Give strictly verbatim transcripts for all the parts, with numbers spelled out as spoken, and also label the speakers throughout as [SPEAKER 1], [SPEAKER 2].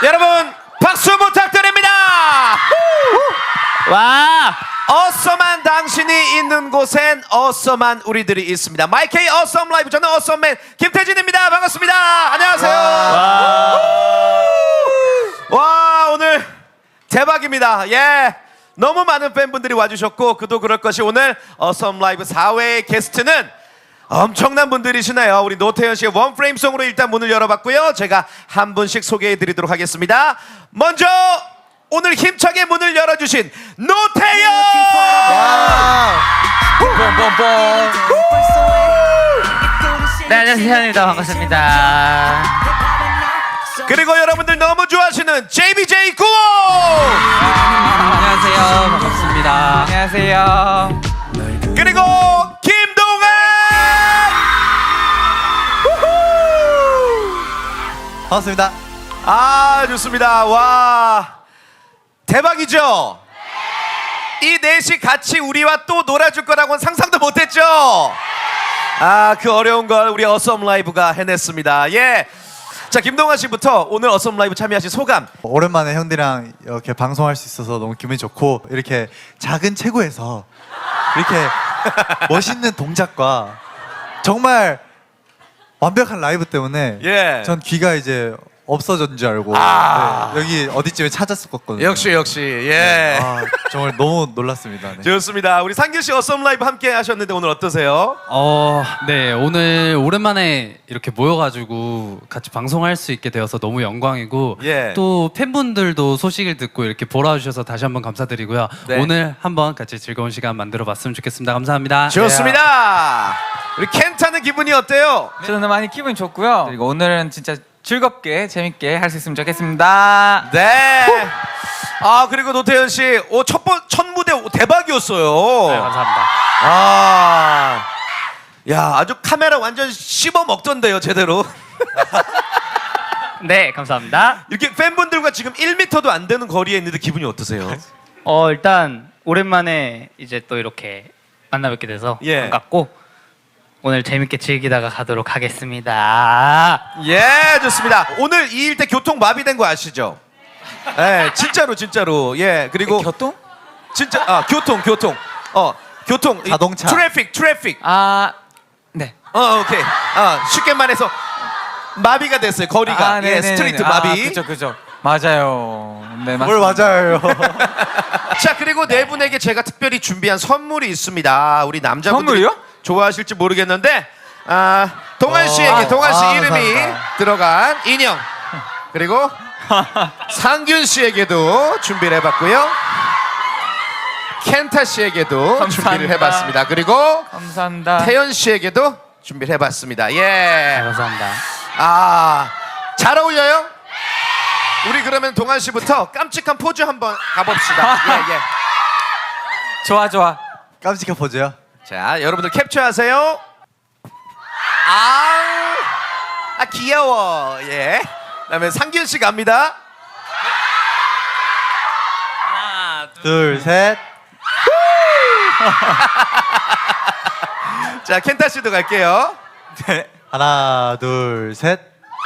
[SPEAKER 1] 여러분 박수 부탁드립니다.
[SPEAKER 2] 와.
[SPEAKER 1] 어썸한 당신이 있는 곳엔 어썸한 우리들이 있습니다. 마이케이 어썸 라이브, 저는 어썸맨 김태진입니다. 반갑습니다. 안녕하세요. 와, 와 오늘 대박입니다. 예, 너무 많은 팬분들이 와주셨고 그도 그럴 것이 오늘 어썸 라이브 사 회의 게스트는 엄청난 분들이시네요. 우리 노태현 씨의 원프레임송으로 일단 문을 열어봤고요. 제가 한 분씩 소개해드리도록 하겠습니다. 먼저 오늘 힘차게 문을 열어주신 노태현!
[SPEAKER 2] 네, 안녕하세요. 태현입니다. 반갑습니다.
[SPEAKER 1] 그리고 여러분들 너무 좋아하시는 제이비제이 구호!
[SPEAKER 2] 안녕하세요. 반갑습니다.
[SPEAKER 3] 안녕하세요.
[SPEAKER 1] 그리고 김동완!
[SPEAKER 4] 반갑습니다.
[SPEAKER 1] 아, 좋습니다. 와, 대박이죠? 이 넷이 같이 우리와 또 놀아줄 거라고는 상상도 못했죠? 아, 그 어려운 걸 우리 어썸 라이브가 해냈습니다. 예. 자, 김동완 씨부터 오늘 어썸 라이브 참여하신 소감.
[SPEAKER 4] 오랜만에 형들이랑 이렇게 방송할 수 있어서 너무 기분이 좋고, 이렇게 작은 체구에서 이렇게 멋있는 동작과 정말 완벽한 라이브 때문에
[SPEAKER 1] 예.
[SPEAKER 4] 전 귀가 이제 없어진 줄 알고
[SPEAKER 1] 아.
[SPEAKER 4] 네, 여기 어디쯤에 찾았었거든요.
[SPEAKER 1] 역시 역시 예.
[SPEAKER 4] 아, 정말 너무 놀랐습니다. 네.
[SPEAKER 1] 좋습니다. 우리 상규 씨 어썸 라이브 함께 하셨는데 오늘 어떠세요?
[SPEAKER 5] 어, 네, 오늘 오랜만에 이렇게 모여가지고 같이 방송할 수 있게 되어서 너무 영광이고
[SPEAKER 1] 예.
[SPEAKER 5] 또 팬분들도 소식을 듣고 이렇게 보러 와주셔서 다시 한번 감사드리고요.
[SPEAKER 1] 네.
[SPEAKER 5] 오늘 한번 같이 즐거운 시간 만들어봤으면 좋겠습니다. 감사합니다.
[SPEAKER 1] 좋습니다. 우리 켄타는 기분이 어때요?
[SPEAKER 3] 저는 많이 기분이 좋고요. 그리고 오늘은 진짜 즐겁게 재밌게 할 수 있으면 좋겠습니다.
[SPEAKER 1] 네. 아, 그리고 노태현 씨, 오, 첫, 번, 첫 무대 대박이었어요.
[SPEAKER 5] 네, 감사합니다.
[SPEAKER 1] 아, 야, 아주 카메라 완전 씹어 먹던데요, 제대로.
[SPEAKER 2] 네, 감사합니다.
[SPEAKER 1] 이렇게 팬분들과 지금 일 미터도 안 되는 거리에 있는데 기분이 어떠세요?
[SPEAKER 2] 어, 일단 오랜만에 이제 또 이렇게 만나 뵙게 돼서
[SPEAKER 1] 예.
[SPEAKER 2] 반갑고 오늘 재밌게 즐기다가 가도록 하겠습니다.
[SPEAKER 1] 예, 좋습니다. 오늘 이 일 때 교통 마비된 거 아시죠? 예, 진짜로 진짜로. 예, 그리고
[SPEAKER 3] 교통?
[SPEAKER 1] 진짜 아 교통 교통 어 교통 이
[SPEAKER 4] 자동차.
[SPEAKER 1] 트래픽 트래픽
[SPEAKER 3] 아, 네.
[SPEAKER 1] 어 오케이 아 쉽게 말해서 마비가 됐어요 거리가.
[SPEAKER 3] 아,
[SPEAKER 1] 예,
[SPEAKER 3] 네네네네.
[SPEAKER 1] 스트리트
[SPEAKER 3] 아,
[SPEAKER 1] 마비.
[SPEAKER 3] 그죠, 그죠. 맞아요. 네,
[SPEAKER 4] 뭘
[SPEAKER 3] 맞습니다.
[SPEAKER 4] 맞아요.
[SPEAKER 1] 자, 그리고 네 분에게 제가 특별히 준비한 선물이 있습니다. 우리 남자분들이
[SPEAKER 3] 선물이요?
[SPEAKER 1] 좋아하실지 모르겠는데 아 동환 씨에게
[SPEAKER 4] 아,
[SPEAKER 1] 동환 씨
[SPEAKER 4] 아,
[SPEAKER 1] 이름이
[SPEAKER 4] 감사합니다.
[SPEAKER 1] 들어간 인형, 그리고 상균 씨에게도 준비를 해봤고요. 켄타 씨에게도
[SPEAKER 3] 감사합니다.
[SPEAKER 1] 준비를 해봤습니다. 그리고
[SPEAKER 3] 감사합니다.
[SPEAKER 1] 태연 씨에게도 준비를 해봤습니다.
[SPEAKER 2] 네,
[SPEAKER 1] 예.
[SPEAKER 2] 감사합니다.
[SPEAKER 1] 아, 잘 어울려요? 우리 그러면 동환 씨부터 깜찍한 포즈 한번 가봅시다. 예, 예.
[SPEAKER 3] 좋아, 좋아.
[SPEAKER 4] 깜찍한 포즈요.
[SPEAKER 1] 자, 여러분들 캡처하세요. 아, 아 귀여워. 예. 그다음에 상균 씨 갑니다.
[SPEAKER 2] 하나, 둘.
[SPEAKER 4] 둘, 셋.
[SPEAKER 1] 자, 켄타 씨도 갈게요.
[SPEAKER 3] 네.
[SPEAKER 4] 하나, 둘, 셋.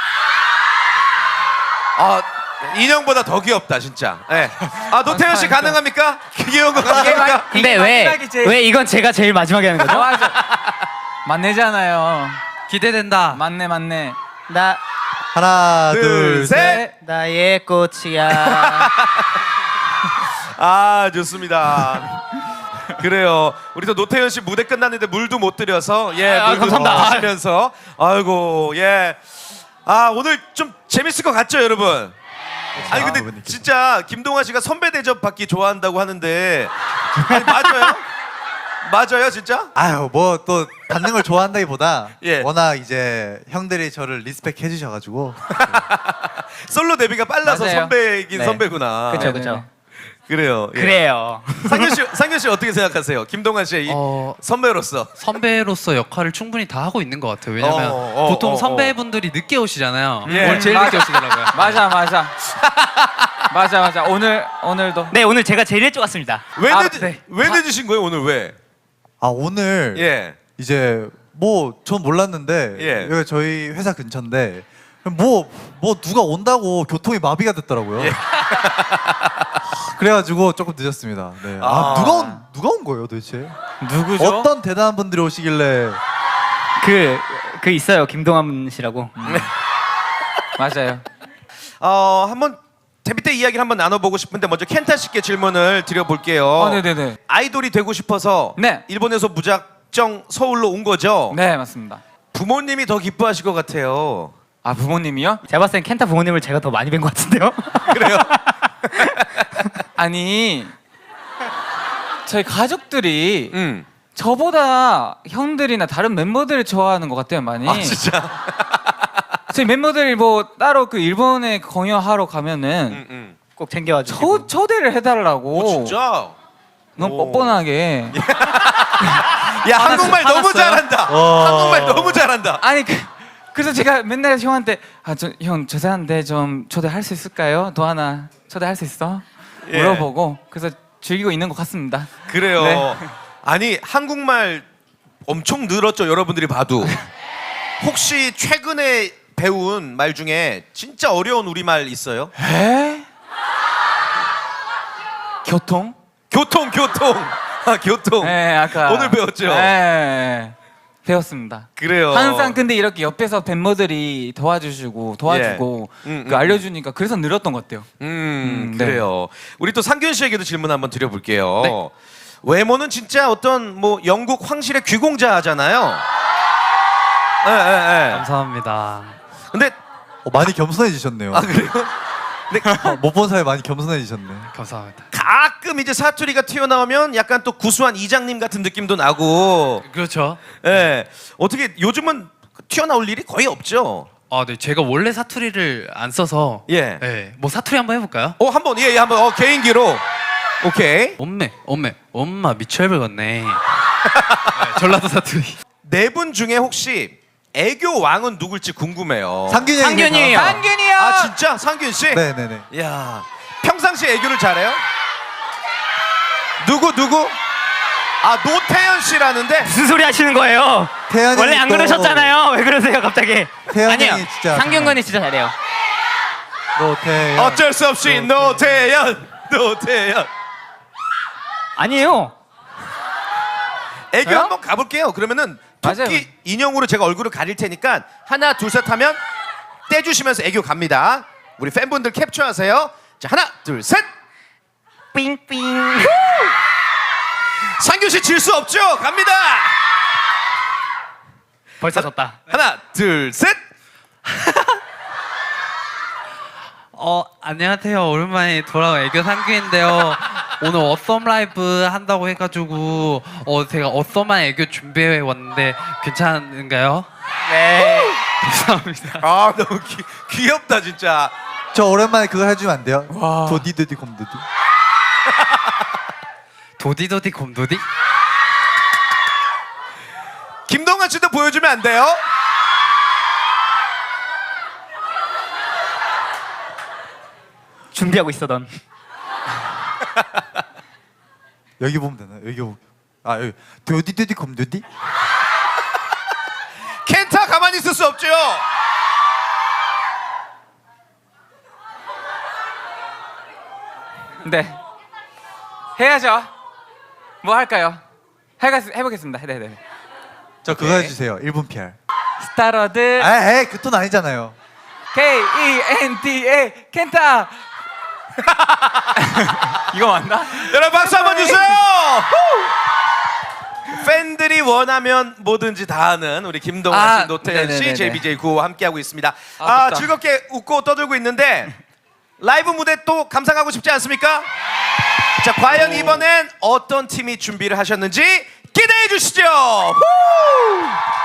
[SPEAKER 1] 아, 인형보다 더 귀엽다, 진짜. 예. 아, 노태현 씨 가능합니까? 귀여운 거 가능합니까?
[SPEAKER 2] 근데 왜,
[SPEAKER 3] 마지막이 제일-
[SPEAKER 2] 왜 이건 제가 제일 마지막에 하는 거죠?
[SPEAKER 3] 맞아. 맞네잖아요.
[SPEAKER 5] 기대된다.
[SPEAKER 3] 맞네, 맞네.
[SPEAKER 2] 나,
[SPEAKER 4] 하나,
[SPEAKER 1] 둘,
[SPEAKER 4] 둘,
[SPEAKER 1] 셋.
[SPEAKER 4] 셋.
[SPEAKER 2] 나의 꽃이야.
[SPEAKER 1] 아, 좋습니다. 그래요. 우리 또 노태현 씨 무대 끝났는데 물도 못 드려서 예,
[SPEAKER 2] 아,
[SPEAKER 1] 물도
[SPEAKER 2] 감사합니다.
[SPEAKER 1] 마시면서 아이고 예. 아, 오늘 좀 재밌을 것 같죠, 여러분? 아니 근데
[SPEAKER 4] 그분들께서.
[SPEAKER 1] 진짜 김동완 씨가 선배 대접 받기 좋아한다고 하는데 아니, 맞아요? 맞아요, 진짜?
[SPEAKER 4] 아유, 뭐 또 받는 걸 좋아한다기보다
[SPEAKER 1] 예.
[SPEAKER 4] 워낙 이제 형들이 저를 리스펙 해주셔가지고
[SPEAKER 1] 솔로 데뷔가 빨라서
[SPEAKER 3] 맞아요.
[SPEAKER 1] 선배이긴
[SPEAKER 3] 네.
[SPEAKER 1] 선배구나.
[SPEAKER 2] 그쵸,
[SPEAKER 3] 네,
[SPEAKER 2] 그쵸.
[SPEAKER 3] 네.
[SPEAKER 1] 그래요. 예.
[SPEAKER 2] 그래요.
[SPEAKER 1] 상균 씨, 상균 씨 어떻게 생각하세요? 김동완 씨의 이
[SPEAKER 5] 어,
[SPEAKER 1] 선배로서.
[SPEAKER 5] 선배로서 역할을 충분히 다 하고 있는 것 같아요. 왜냐면
[SPEAKER 1] 어, 어,
[SPEAKER 5] 보통
[SPEAKER 1] 어, 어.
[SPEAKER 5] 선배분들이 늦게 오시잖아요.
[SPEAKER 1] 예.
[SPEAKER 5] 오늘 제일 늦게 오시더라고요.
[SPEAKER 3] 맞아, 맞아. 맞아, 맞아. 오늘, 오늘도.
[SPEAKER 2] 네, 오늘 제가 제일 일찍 왔습니다.
[SPEAKER 1] 왜
[SPEAKER 3] 아,
[SPEAKER 1] 늦,
[SPEAKER 3] 네.
[SPEAKER 1] 왜 늦으신 거예요, 오늘 왜?
[SPEAKER 4] 아 오늘
[SPEAKER 1] 예.
[SPEAKER 4] 이제 뭐 전 몰랐는데
[SPEAKER 1] 예.
[SPEAKER 4] 여기 저희 회사 근처인데 뭐, 뭐 누가 온다고 교통이 마비가 됐더라고요.
[SPEAKER 1] 예.
[SPEAKER 4] 그래가지고 조금 늦었습니다. 네. 아,
[SPEAKER 1] 아.
[SPEAKER 4] 누가 온 누가 온 거예요 도대체?
[SPEAKER 3] 누구죠?
[SPEAKER 4] 어떤 대단한 분들이 오시길래?
[SPEAKER 2] 그, 그 있어요. 김동완 씨라고.
[SPEAKER 3] 맞아요.
[SPEAKER 1] 어, 한번 재밌게 이야기를 한번 나눠보고 싶은데 먼저 켄타 씨께 질문을 드려볼게요.
[SPEAKER 3] 어, 네네네.
[SPEAKER 1] 아이돌이 되고 싶어서
[SPEAKER 3] 네.
[SPEAKER 1] 일본에서 무작정 서울로 온 거죠?
[SPEAKER 3] 네, 맞습니다.
[SPEAKER 1] 부모님이 더 기뻐하실 것 같아요.
[SPEAKER 3] 아, 부모님이요?
[SPEAKER 2] 제가 봤을 땐 켄타 부모님을 제가 더 많이 뵌 것 같은데요.
[SPEAKER 1] 그래요?
[SPEAKER 3] 아니, 저희 가족들이
[SPEAKER 1] 음.
[SPEAKER 3] 저보다 형들이나 다른 멤버들을 좋아하는 것 같아요, 많이.
[SPEAKER 1] 아 진짜.
[SPEAKER 3] 저희 멤버들이 뭐 따로 그 일본에 공연하러 가면은
[SPEAKER 1] 음, 음.
[SPEAKER 2] 꼭 챙겨와주시고.
[SPEAKER 3] 초, 초대를 해달라고.
[SPEAKER 1] 오, 진짜.
[SPEAKER 3] 너무
[SPEAKER 1] 오.
[SPEAKER 3] 뻔뻔하게.
[SPEAKER 1] 야 한국말 너무
[SPEAKER 3] 화났어요?
[SPEAKER 1] 잘한다.
[SPEAKER 4] 와.
[SPEAKER 1] 한국말 너무 잘한다.
[SPEAKER 3] 아니 그, 그래서 제가 맨날 형한테 아 저 형 죄송한데 좀 초대할 수 있을까요? 또 하나 초대할 수 있어?
[SPEAKER 1] 예.
[SPEAKER 3] 물어보고 그래서 즐기고 있는 것 같습니다.
[SPEAKER 1] 그래요.
[SPEAKER 3] 네.
[SPEAKER 1] 아니 한국말 엄청 늘었죠. 여러분들이 봐도. 혹시 최근에 배운 말 중에 진짜 어려운 우리말 있어요?
[SPEAKER 3] 에? 교통?
[SPEAKER 1] 교통 교통. 아 교통.
[SPEAKER 3] 네, 아까
[SPEAKER 1] 오늘 배웠죠?
[SPEAKER 3] 네, 배웠습니다.
[SPEAKER 1] 그래요.
[SPEAKER 3] 항상 근데 이렇게 옆에서 멤버들이 도와주시고 도와주고
[SPEAKER 1] 예. 음,
[SPEAKER 3] 그
[SPEAKER 1] 음,
[SPEAKER 3] 알려주니까 그래서 늘었던 것 같아요.
[SPEAKER 1] 음,
[SPEAKER 3] 음, 네.
[SPEAKER 1] 그래요. 우리 또 상균 씨에게도 질문 한번 드려볼게요.
[SPEAKER 5] 네.
[SPEAKER 1] 외모는 진짜 어떤 뭐 영국 황실의 귀공자잖아요. 예, 예, 예.
[SPEAKER 5] 감사합니다.
[SPEAKER 1] 근데
[SPEAKER 4] 어, 많이 겸손해지셨네요.
[SPEAKER 1] 아 그래요?
[SPEAKER 4] 못 본 사이 많이 겸손해지셨네.
[SPEAKER 5] 감사합니다.
[SPEAKER 1] 가끔 이제 사투리가 튀어나오면 약간 또 구수한 이장님 같은 느낌도 나고.
[SPEAKER 5] 그렇죠.
[SPEAKER 1] 예. 어떻게 요즘은 튀어나올 일이 거의 없죠.
[SPEAKER 5] 아, 네. 제가 원래 사투리를 안 써서
[SPEAKER 1] 예.
[SPEAKER 5] 네. 뭐 사투리 한번 해볼까요?
[SPEAKER 1] 어 한번 예, 예 한번 어 개인기로. 오케이.
[SPEAKER 5] 엄매, 엄매, 엄마 미쳐버렸네. 네, 전라도 사투리.
[SPEAKER 1] 네 분 중에 혹시 애교 왕은 누굴지 궁금해요.
[SPEAKER 4] 상균이
[SPEAKER 2] 상균이에요.
[SPEAKER 3] 상균이요.
[SPEAKER 1] 아 진짜 상균 씨?
[SPEAKER 4] 네네네.
[SPEAKER 1] 야 평상시 애교를 잘해요? 누구 누구? 아 노태현 씨라는데.
[SPEAKER 2] 무슨 소리 하시는 거예요?
[SPEAKER 4] 태연이
[SPEAKER 2] 원래 안
[SPEAKER 4] 또-
[SPEAKER 2] 그러셨잖아요. 왜 그러세요 갑자기?
[SPEAKER 4] 태연이
[SPEAKER 2] 아니요.
[SPEAKER 4] 진짜
[SPEAKER 2] 상균군이 진짜 잘해요.
[SPEAKER 4] 노태연.
[SPEAKER 1] 어쩔 수 없이 노태현 노태현.
[SPEAKER 2] 아니에요.
[SPEAKER 1] 애교
[SPEAKER 3] 저요?
[SPEAKER 1] 한번 가볼게요. 그러면은 토끼
[SPEAKER 3] 맞아요.
[SPEAKER 1] 인형으로 제가 얼굴을 가릴 테니까 하나 둘 셋 하면 떼주시면서 애교 갑니다. 우리 팬분들 캡처하세요. 자 하나 둘 셋.
[SPEAKER 2] 삥삥.
[SPEAKER 1] 상규 씨 질 수 없죠? 갑니다.
[SPEAKER 2] 벌써 졌다.
[SPEAKER 1] 하나 둘 셋.
[SPEAKER 5] 어, 안녕하세요. 오랜만에 돌아온 애교 상규인데요. 오늘 어썸 라이브 한다고 해가지고 어 제가 어썸한 애교 준비해 왔는데 괜찮은가요?
[SPEAKER 2] 네.
[SPEAKER 5] 감사합니다.
[SPEAKER 1] 아 너무 귀, 귀엽다 진짜.
[SPEAKER 4] 저 오랜만에 그거 해주면 안 돼요?
[SPEAKER 3] 와.
[SPEAKER 4] 도디도디 곰도디.
[SPEAKER 5] 도디도디 곰도디?
[SPEAKER 1] 김동완 씨도 보여주면 안 돼요?
[SPEAKER 2] 준비하고 있어던.
[SPEAKER 4] 여기 보면 되나? 여기 보면. 아 여기 도디도디 곰도디.
[SPEAKER 1] 켄타 가만히 있을 수 없죠.
[SPEAKER 3] 네. 해야죠. 뭐 할까요? 해가, 해보겠습니다. 네네.
[SPEAKER 4] 저 그거
[SPEAKER 1] 오케이.
[SPEAKER 4] 해주세요. 일 분 피알.
[SPEAKER 3] 스타러드
[SPEAKER 4] 아, 에이 그 톤 아니잖아요.
[SPEAKER 3] K E N T A 켄타. 이거 맞나?
[SPEAKER 1] 여러분 박수 한번 주세요. 팬들이 원하면 뭐든지 다 하는 우리 김동완 씨,
[SPEAKER 3] 아,
[SPEAKER 1] 노태현 씨,
[SPEAKER 3] 네네네네.
[SPEAKER 1] 제이비제이 구호 함께하고 있습니다.
[SPEAKER 3] 아,
[SPEAKER 1] 아,
[SPEAKER 3] 좋다.
[SPEAKER 1] 즐겁게 웃고 떠들고 있는데 라이브 무대 또 감상하고 싶지 않습니까? 자, 과연 이번엔 어떤 팀이 준비를 하셨는지 기대해 주시죠. 후!